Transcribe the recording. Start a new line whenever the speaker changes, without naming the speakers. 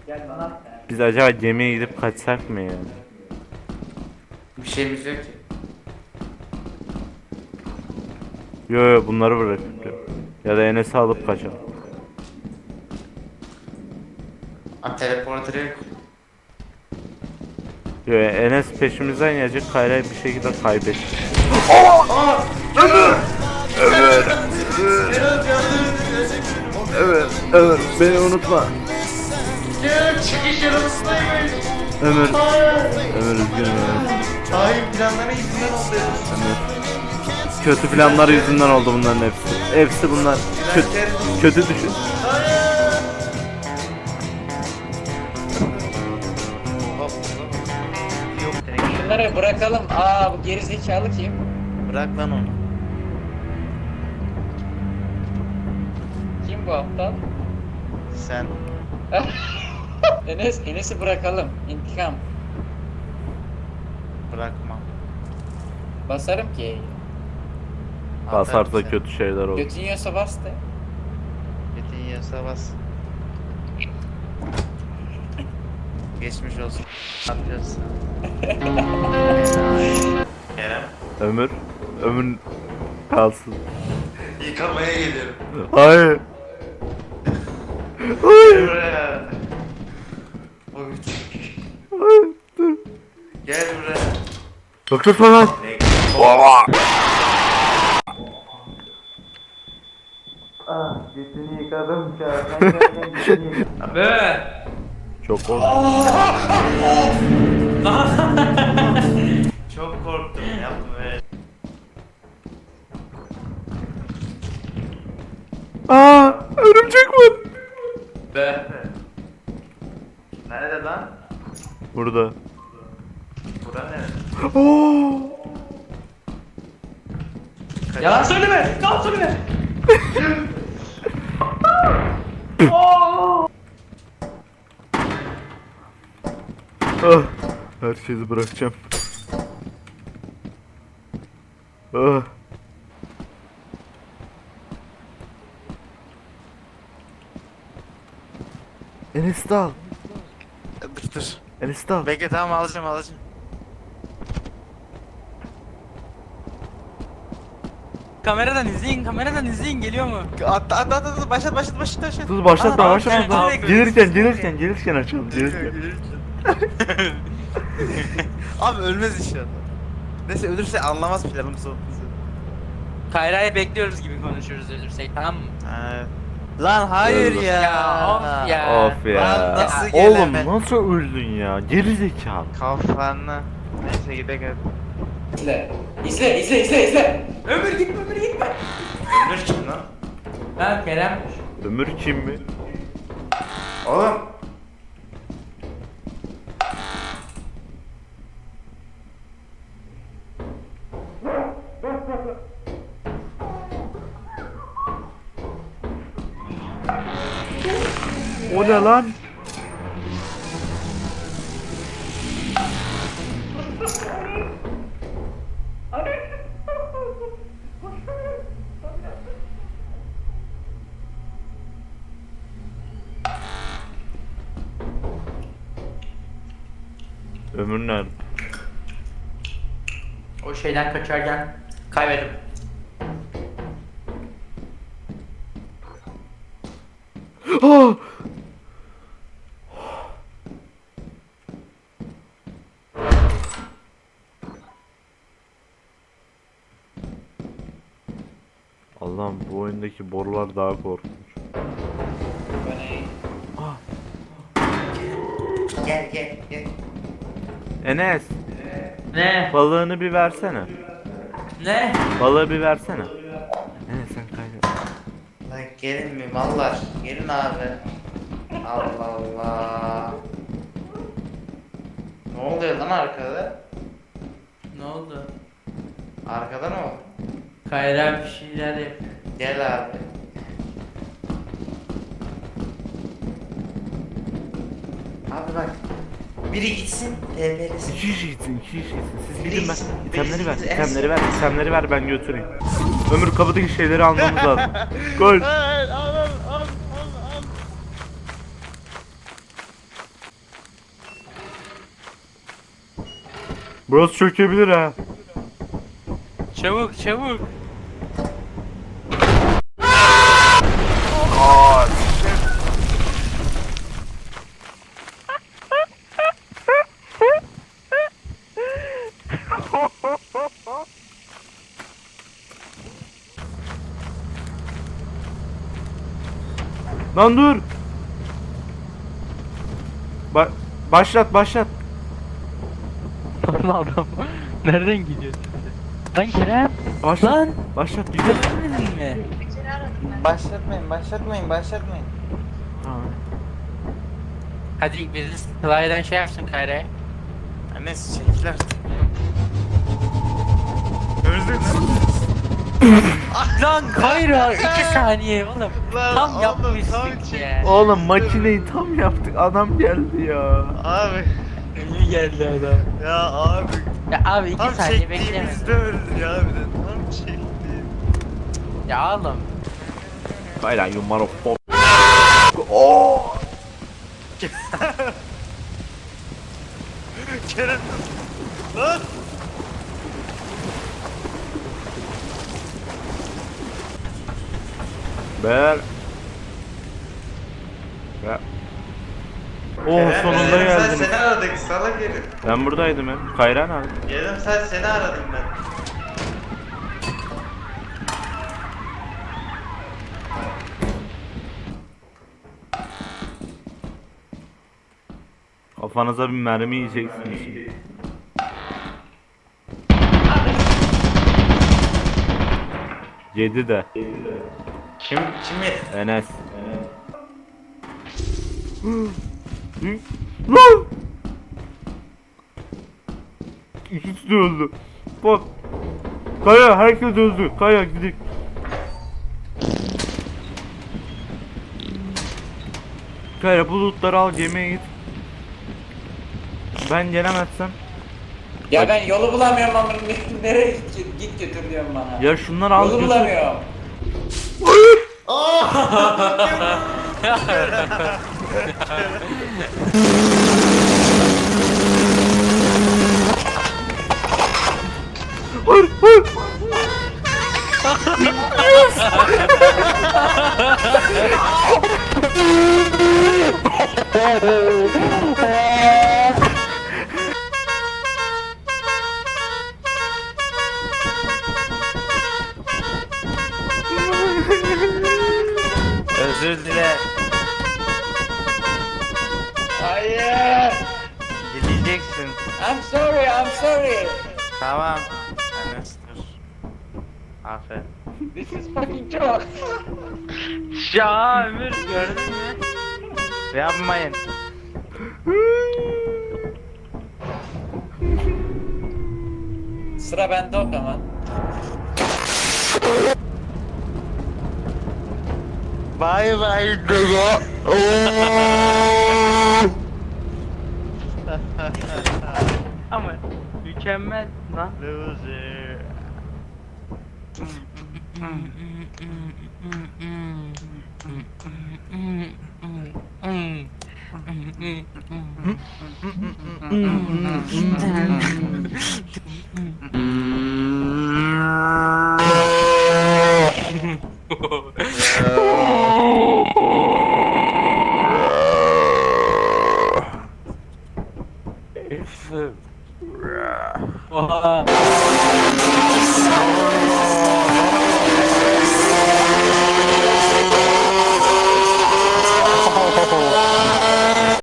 Biz acaba gemiye gidip kaçsak mı ya?
Bir şeyimiz yok ki.
Yo bunları bırakıp ya da Enes'i alıp kaçalım.
Teleporter yok.
Yo Enes peşimizden gelecek, Kayra'yı bir şekilde kaybedecek. Ömür beni unutma.
Çıkış yanımızdaymış.
Ömür üzgünüm Ömür.
Hayır, planları yüzünden oldu.
Kötü planları yüzünden oldu bunların hepsi. Hepsi bunlar. Kötü düşün.
Bunları bırakalım. Bu gerizekalı kim?
Bırak lan onu.
Kim bu aptal?
Sen.
Enes'i bırakalım. İntikam.
Bırakmam.
Basarım ki.
Basarsa kötü şeyler olur.
Götün yiyorsa bas de.
Metin yiyorsa bas. Geçmiş olsun. Ne yapıyorsun? Kerem.
Ömür kalsın.
Yıkamaya geliyorum.
Hayır.
Buraya. Oy.
Dur.
Gel buraya.
Doktor falan.
Götünü yıkadım şu an.
Be.
Çok oldu.
Çok korktum, yapma böyle.
Örümcek var.
Be.
Nerede lan?
Burada.
Bura nerede?
Yalan söyleme. Yalan söyleme.
Her şeyi bırakacağım. Ah. Enes'i de al.
Dur.
Enes'i de al.
Bekle, tamam, alacağım.
Kameradan izleyin geliyor mu?
At, başlat.
Dur başlatma
Aa,
başlatma.
evet,
Gelirken açalım.
Abi ölmez inşallah. Neyse, ölürse anlamaz planımız olduğumuzu.
Kayra'yı bekliyoruz gibi konuşuyoruz ölürsek, tamam mı?
Lan hayır
Öldü.
ya.
Of ya.
Of ya.
Lan nasıl
Oğlum
gelemedin?
nasıl öldün ya? Geri zekalı.
Kafanı. Neyse, gidelim.
İzle.
Ömür gitme.
Ölür kim lan?
Ha Kerem.
Ömür kim mi?
Oğlum.
O ne lan? Ömür nerede?
O şeyden kaçarken kaybettim.
Ah! Allah'ım bu oyundaki borular daha korkunç.
Gel.
Enes,
Ne?
balığını bir versene.
Ne?
Balığı bir versene. Enes sen kaydet.
Lan gelin mi mallar? Gelin abi. Allah Allah. Ne oluyor lan arkada?
Ne oldu?
Arkada ne oldu?
Kayra bir şeyler yapıyor.
Gel abi. Abi bak. Biri gitsin, TP'lesin.
İki kişi gitsin. Siz
Biri
gidin ben.
gitsin,
İtemleri ver,
birisi
itemleri ver ben götüreyim. Ömür kapıdaki şeyleri almamız lazım. Gol. Burası çökebilir ha.
Çabuk çabuk.
Lan dur. Başlat.
Lan adam. Nereden gidiyorsun? Lan Kerem.
Başlat.
Lan.
Başlat güzel.
Görmedin mi?
Başlatmayın.
Hadi biriniz Sıla'dan şey yapsın Kayra'ya.
Neyse çekil artık. Öldün
Lan Kayra 2 saniye oğlum.
lan.
Tam
Oğlum,
yapmıştık
tam
ya.
Oğlum makineyi tam yaptık. Adam geldi ya.
Abi.
Ölü geldi adam.
Ya abi.
Ya abi 2
Tam
saniye beklemedim.
çektiğimizde öldü ya bir de. Tam çektiğim.
Ya oğlum.
Kayran you motherfucker. Oh.
Kerem. Lan.
Ber. Ya. Oh sonunda geldin.
Seni aradık salak herif.
Ben buradaydım hem. Kayran abi.
Yarım saat seni aradım ben.
Kafanıza bir mermi yiyeceksiniz şimdi. Yedi de.
Kim yedi?
Enes. Lan! İkisi de öldü. Bak. Kaya herkes öldü. Kaya gidelim. Kaya bulutları al gemiye git. Ben gelemezsem.
Ya ben yolu bulamıyorum ama nereye git götür diyorum bana.
Ya şunları al
Yolu
götür.
bulamıyorum.
Hayır, hayır.
Özür dile.
Hayır.
Gideceksin.
I'm sorry.
Tamam. Enes dur. Aferin.
This is fucking joke.
Ya Ömür gördün mü?
Yapmayın.
Sıra bende o zaman.
Bay bay Dogo.
Ama mükemmel lan.
Loser.
Oha.